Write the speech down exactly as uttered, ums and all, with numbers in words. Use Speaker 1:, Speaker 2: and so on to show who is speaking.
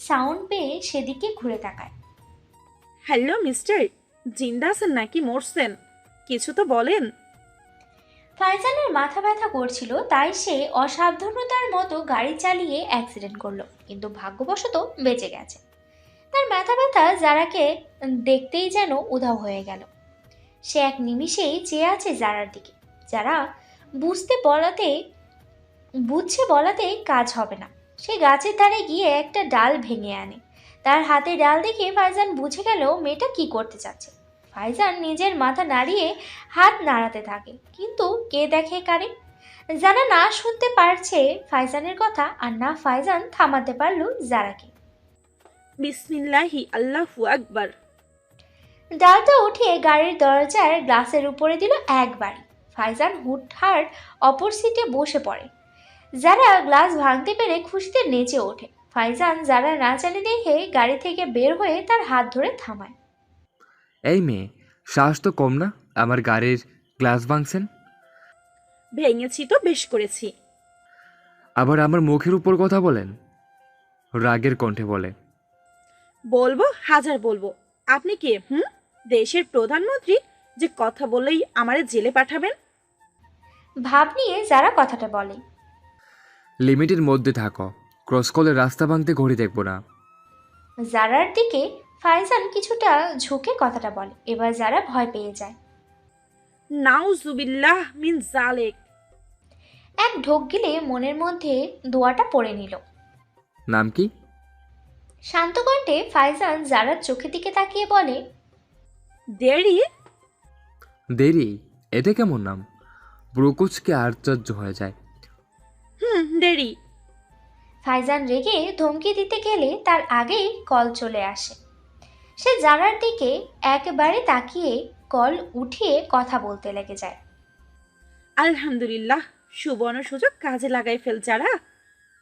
Speaker 1: Sound পেয়ে সেদিকে ঘুরে তাকায়।
Speaker 2: হ্যালো মিস্টার, জিন্দা আছেন নাকি মরছেন? কিছু তো বলেন।
Speaker 1: ফাইজানের মাথা ব্যথা করছিল, তাই সে অসাবধানতার মতো গাড়ি চালিয়ে অ্যাক্সিডেন্ট করলো, কিন্তু ভাগ্যবশত বেঁচে গেছে। তার মাথা ব্যথা জারাকে দেখতেই যেন উধাও হয়ে গেল। সে এক নিমিষেই চেয়ে আছে জারার দিকে। যারা বুঝতে বলাতে বুঝছে বলাতে কাজ হবে না। সে গাছের ধারে গিয়ে একটা ডাল ভেঙে আনে। তার হাতে ডাল দেখে ফাইজান বুঝে গেল মেয়েটা কি করতে চাচ্ছে। ফাইজান নিজের মাথা নাড়িয়ে হাত নাড়াতে থাকে, কিন্তু কে দেখে কারে। যারা না শুনতে পারছে ফাইজানের কথা, আর না ফাইজান থামাতে পারল জারাকে।
Speaker 2: বিসমিল্লাহি আল্লাহু আকবার।
Speaker 1: ডালটা উঠিয়ে গাড়ির দরজার গ্লাসের উপরে দিল একবারই। ফাইজান হুটহাট অপর সিটে বসে পড়ে। যারা গ্লাস ভাঙতে পেরে খুশিতে নেচে ওঠে। ফাইজান যারা না জানে দেখে গাড়ি থেকে বের হয়ে তার হাত ধরে থামায়।
Speaker 3: এই মেয়ে, শ্বাস তো কম না, আমার গাড়ির গ্লাস ভাঙছেন?
Speaker 2: ভেঙেছি তো বেশ করেছি।
Speaker 3: আবার আমার মুখের উপর কথা বলেন, রাগের কণ্ঠে বলে।
Speaker 2: বলবো, হাজার বলবো। আপনি কে? হুম, দেশের প্রধানমন্ত্রী যে কথা বললেই আমারে জেলে পাঠাবেন?
Speaker 1: ভাব নিয়ে যারা কথাটা বলে।
Speaker 3: লিমিটের মধ্যে থাকো, ক্রস করলে রাস্তা ভাঙতে ঘড়ি দেখবো না।
Speaker 1: জারার দিকে ফাইজান কিছুটা ঝুঁকে কথাটা বলে। এবার যারা ভয় পেয়ে যায়।
Speaker 2: নাউজুবিল্লাহ মিন জালেক।
Speaker 1: এক ঢোক গিলে মনের মধ্যে দোয়াটা পড়ে নিল।
Speaker 3: নাম কি?
Speaker 1: শান্ত কণ্ঠে ফাইজান জারার চোখের দিকে তাকিয়ে বলে,
Speaker 2: দেরি।
Speaker 3: দেরি? এটা কেমন নাম? ব্রুকুচকে আশ্চর্য হয়ে যায়।
Speaker 2: হুম, দেরি।
Speaker 1: ফাইজান রেগে ধমকি দিতে গেলে তার আগেই কল চলে আসে। সে জারার দিকে একবারে তাকিয়ে কল উঠিয়ে কথা বলতে লেগে যায়।
Speaker 2: আলহামদুলিল্লাহ, সুবর্ণ সুযোগ কাজে লাগাই ফেল যারা।